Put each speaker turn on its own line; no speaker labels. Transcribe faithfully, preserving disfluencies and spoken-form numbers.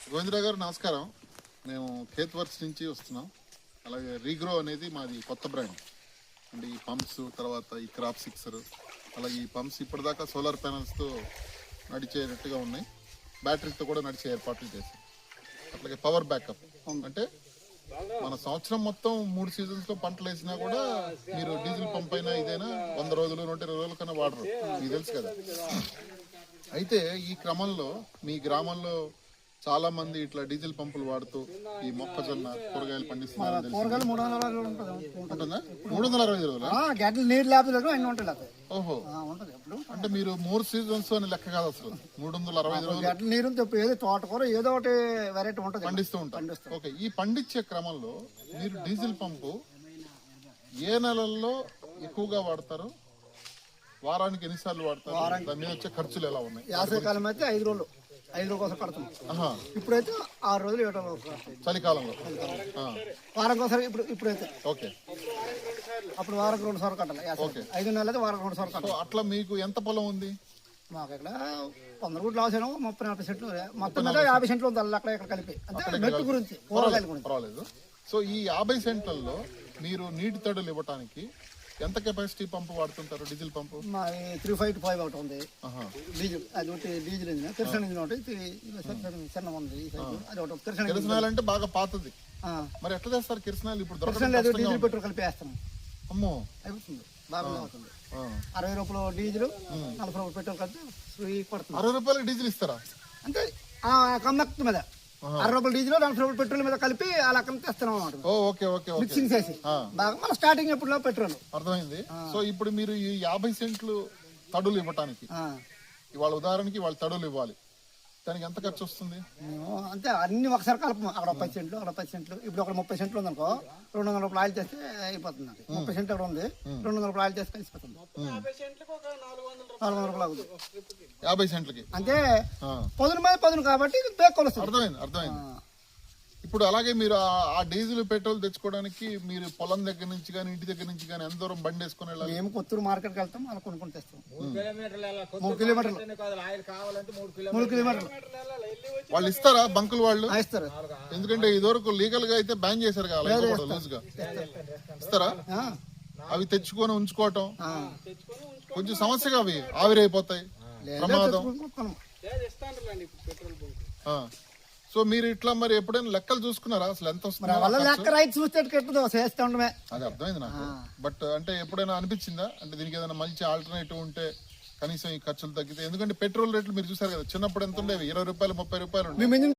గోవిందరావు గారు నమస్కారం. మేము ఖేత్ వర్క్స్ నుంచి వస్తున్నాం. అలాగే రీగ్రో అనేది మాది కొత్త బ్రాండ్. అంటే ఈ పంప్స్, తర్వాత ఈ క్రాప్ సిక్సర్, అలాగే ఈ పంప్స్ ఇప్పటిదాకా సోలార్ ప్యానల్స్తో నడిచేటట్టుగా ఉన్నాయి. బ్యాటరీతో కూడా నడిచే ఏర్పాట్లు చేశాం. అట్లాగే పవర్ బ్యాకప్ అంటే మన సంవత్సరం మొత్తం మూడు సీజన్స్లో పంటలు వేసినా కూడా మీరు డీజిల్ పంప్ అయినా ఇదైనా వంద రోజులు నూట ఇరవై రోజుల కన్నా వాడరు, మీకు తెలుసు కదా. అయితే ఈ క్రమంలో మీ గ్రామంలో చాలా మంది ఇట్లా డీజిల్ పంపులు వాడుతూ ఈ మొక్కజొన్న కూరగాయలు పండిస్తున్నారు.
కూరగాయలు మూడు వందల అరవై
ఉంటుందా? మూడు వందల అరవై రోజులు
గంటలు నీరు లేకపోతే అన్ని ఉంటుంది.
ఓహో,
ఉంటుంది. ఎప్పుడు
అంటే మీరు మూడు సీజన్స్ అని లెక్క కాదు అసలు. మూడు వందల అరవై ఐదు రోజులు
గంటల నీరు చెప్పి ఏదో తోటకూర ఏదో ఒకటి వెరైటీ ఉంటుంది,
పండిస్తూ ఉంటారు. ఓకే, ఈ పండించే క్రమంలో మీరు డీజిల్ పంపు ఏ నెలల్లో ఎక్కువగా వాడతారు? వారానికి ఎన్నిసార్లు వాడతారు? దాని మీద వచ్చే ఖర్చులు ఎలా ఉన్నాయి?
వేసవికాలం అయితే ఐదు రోజులు ఐదు రోజుల కోసం కడుతున్నాం. ఇప్పుడైతే ఆరు రోజులు ఏడు రోజులు
చలికాలంలో
వారం కోసం. ఇప్పుడు ఇప్పుడైతే
ఓకే,
అప్పుడు వారం రెండు సార్లు కట్టాలి. ఐదు నెలలు అయితే వారం రెండు సార్లు కట్టాలి.
అట్లా మీకు ఎంత పొలం ఉంది?
మాకు ఇక్కడ వంద గుడ్లు అవసరం, ముప్పై నలభై సెంట్లు, మొత్తం మీద యాభై సెంట్లు ఉంది. అక్కడ ఇక్కడ కలిపి అంటే మెట్టు గురించి కూరగాయల గురించి
పర్వాలేదు. సో ఈ యాభై సెంట్లలో మీరు నీటి తడులు ఇవ్వడానికి ఎంత కెపాసిటీ పంపు వాడుతుంటారు? డీజిల్ పంపు
మా త్రీ ఫైవ్ టు ఫైవ్ ఒకటి ఉంది. డీజిల్ అది ఒకటి డీజిల్ ఇంజిన్, కిరసన్ ఇంజిన్ ఒకటి చిన్న ఉంది. అది ఒకటి కిరసన్
కిరసనాయిల్ అంటే బాగా పాతది. మరి ఎట్లా చేస్తారు కిరసనాయిల్? ఇప్పుడు
కిరసన్ లేదు, డీజిల్ పెట్రోల్ కలిపి వేస్తాం.
అమ్మో,
అయిపోతుంది, బాగా అవుతుంది. అరవై రూపాయలు డీజిల్, నలభై రూపాయలు పెట్రోల్ కలిపి పడుతుంది.
అరవై రూపాయలు డీజిల్ ఇస్తారా?
అంటే కమ్మక్త మీద అరవై రూపాయలు డీజిల్, నలభై రూపాయలు పెట్రోల్ మీద కలిపి ఆ లెక్కన తెస్తున్నాం అన్నమాట. మిక్సింగ్ చేసి బాగా మన స్టార్టింగ్ ఎప్పుడు పెట్రోల్.
అర్థమైంది. సో ఇప్పుడు మీరు ఈ యాభై సెంట్లు తడులు ఇవ్వటానికి, ఇవాళ ఉదాహరణకి వాళ్ళు తడులు ఇవ్వాలి, దానికి ఎంత ఖర్చు వస్తుంది?
అంటే అన్ని ఒకసారి కలపము. అక్కడ పది సెంట్లు, అక్కడ పది సెంట్లు. ఇప్పుడు ఒక ముప్పై సెంట్లు ఉంది అనుకో, రెండు వందల రూపాయలు ఆయిల్ చేస్తే అయిపోతుంది. ముప్పై సెంట్లు అక్కడ ఉంది, రెండు వందల రూపాయలు ఆయిల్ చేస్తే కలిసిపోతుంది. నాలుగు వందల రూపాయలు అవుతుంది
యాభై సెంట్లకి.
అంటే పదును మీద పదును కాబట్టి బేక్ కొలుస్తుంది.
అర్థమైంది, అర్థమైంది. ఇప్పుడు అలాగే మీరు ఆ డీజిల్ పెట్రోల్ తెచ్చుకోవడానికి మీరు పొలం దగ్గర నుంచి కానీ ఇంటి దగ్గర నుంచి కానీ ఎంత దూరం బండి వేసుకుని వెళ్ళాలి?
మేము కొత్తూరు మార్కెట్కి వెళ్తాం, అలా కొనుక్కొని తెస్తాం. మూడు కిలోమీటర్లు మూడు కిలోమీటర్లు
వాళ్ళు ఇస్తారా? బంకులు వాళ్ళు
ఇస్తారు.
ఎందుకంటే ఇదివరకు లీగల్ గా అయితే బ్యాన్ చేశారు కదా, లూజ్ గా ఇస్తారా? అవి తెచ్చుకొని ఉంచుకోవటం కొంచెం సమస్యగా, అవి ఆవిరైపోతాయి, ప్రమాదం. సో మీరు ఇట్లా మరి ఎప్పుడైనా లెక్కలు చూసుకున్నారా అసలు ఎంత వస్తుంది?
లెక్క రైతు చూస్తే చేస్తూ ఉండమే.
అది అర్థమైంది నాకు. బట్ అంటే ఎప్పుడైనా అనిపించిందా అంటే దీనికి ఏదైనా మంచి ఆల్టర్నేటివ్ ఉంటే కనీసం ఈ ఖర్చులు తగ్గితే? ఎందుకంటే పెట్రోల్ రేట్లు మీరు చూసారు కదా, చిన్నప్పుడు ఎంత ఉండేవి? ఇరవై రూపాయలు ముప్పై రూపాయలు.